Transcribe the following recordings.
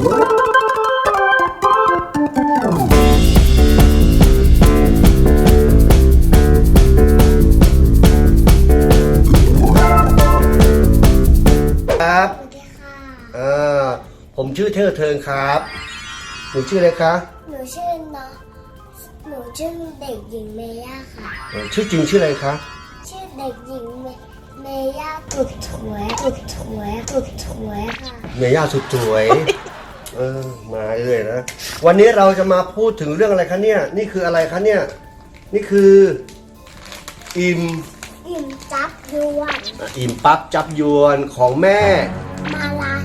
ครับผมชื่อเทิงครับหนูชื่ออะไรคะหนูชื่อเด็กหญิงเมย่าค่ะชื่อจริงชื่ออะไรคะชื่อเด็กหญิงเมย่าสุดสวยค่ะเมย่าสุดสวยมาเลยนะวันนี้เราจะมาพูดถึงเรื่องอะไรคะเนี่ยนี่คืออะไรคะเนี่ยนี่คืออิ่มจับยวนอิ่มปั๊บจับยวนของแม่มาลา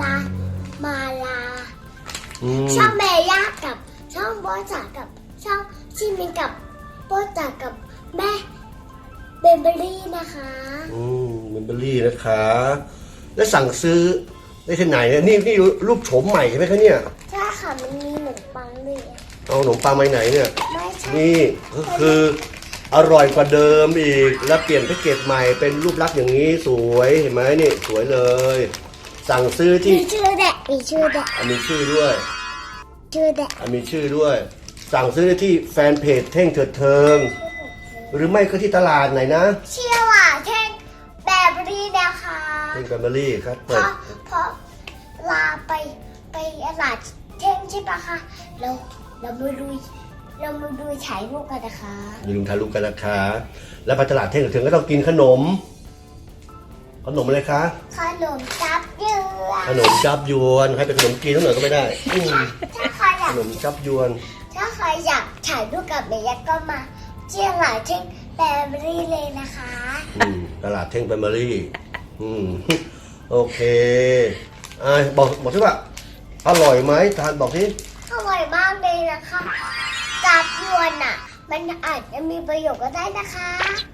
ช่องเมย่ากับช่องโบจ่ากับช่องชิมินกับโบจ่ากับแม่เบเบอรี่นะคะเบเบอรี่นะคะแล้วสั่งซื้อได้ที่ไหนเนี่ยนี่รูปโฉมใหม่ใช่ไหมคะเนี่ยใช่ค่ะมันมีขนมปังด้วยเอาขนมปังมาไหนเนี่ยไม่ใช่นี่ก็คืออร่อยกว่าเดิมอีกแล้วเปลี่ยนแพ็กเกจใหม่เป็นรูปลักษณ์อย่างนี้สวยเห็นไหมนี่สวยเลยสั่งซื้อที่มีชื่อแดะมีชื่อด้วยมีชื่อด้วยสั่งซื้อได้ที่แฟนเพจเท่งเถิดเทิงหรือไม่ก็ที่ตลาดไหนนะชื่อว่าเท่งแบเบอรี่นะคะเท่งแบเบอรี่ครับเพราะลาไปตลาดเท่งใช่ปะคะเรามาดูฉายรูปกันนะคะมีลุงถ่ายรูปกันนะคะแล้วไปตลาดเท่งเถิดเทิงก็ต้องกินขนมอะไรคะขนมจับยวนให้เป็นขนมจีนทั้งหน่อยก็ไม่ได้ถ้าใครอยากขนมจับยวนถ้าใครอยากถ่ายรูปกับเมย่าก็มาเชียงรายเท่งแบเบอรี่เลยนะคะตลาดเท่งแบเบอรี่โอเคบอกสิว่าอร่อยไหมทานบอกสิอร่อยมากเลยนะคะจับยวนอ่ะมันอาจจะมีประโยชน์ก็ได้นะคะ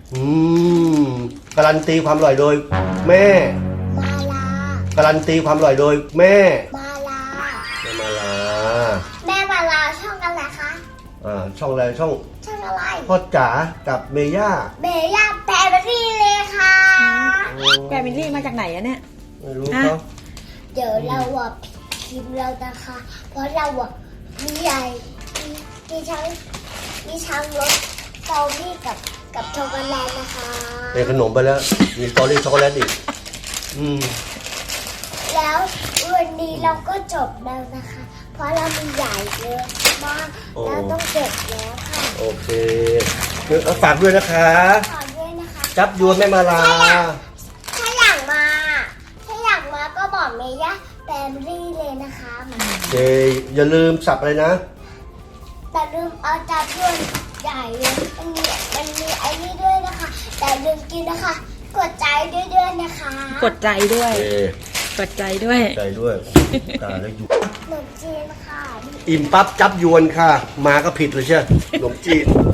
การันตีความอร่อยโดยแม่มาลาการันตีความอร่อยโดยแม่มาลาแม่มาลาช่องอะไรคะช่องอะไรช่องอะไรพ่อจ๋ากับเมย่าแบเบอรี่เลยค่ะแบเบอรี่มาจากไหนอะเนี่ยไม่รู้เขาเดี๋ยวเราพิมพ์เรานะคะเพราะเรามีใหญ่มีช้างรถสตรอเบอรี่กับช็อกโกแลตนะคะเป็นขนมไปแล้วมีสตรอเบอรี่ช็อกโกแลตอีกแล้ววันนี้เราก็จบแล้วนะคะเพราะเรามีใหญ่เยอะมากเราต้องเก็บแล้วค่ะโอเคฝากด้วยนะคะจับยวนแม่มาลาถ้าอยากมาก็บอกเมย่าแบเบอรี่เลยนะคะอย่าลืมสับอะไรนะแต่ลืมเอาจับยวนใหญ่เลยมันมีไอ้นี่ด้วยนะคะแต่ลืมกินนะคะกดใจด้วยนะคะกดใจด้วยตาแล้วอยู่ขนมจีนค่ะอิ่มปั๊บจับยวนค่ะมาก็ผิดเลยใช่ขนมจีน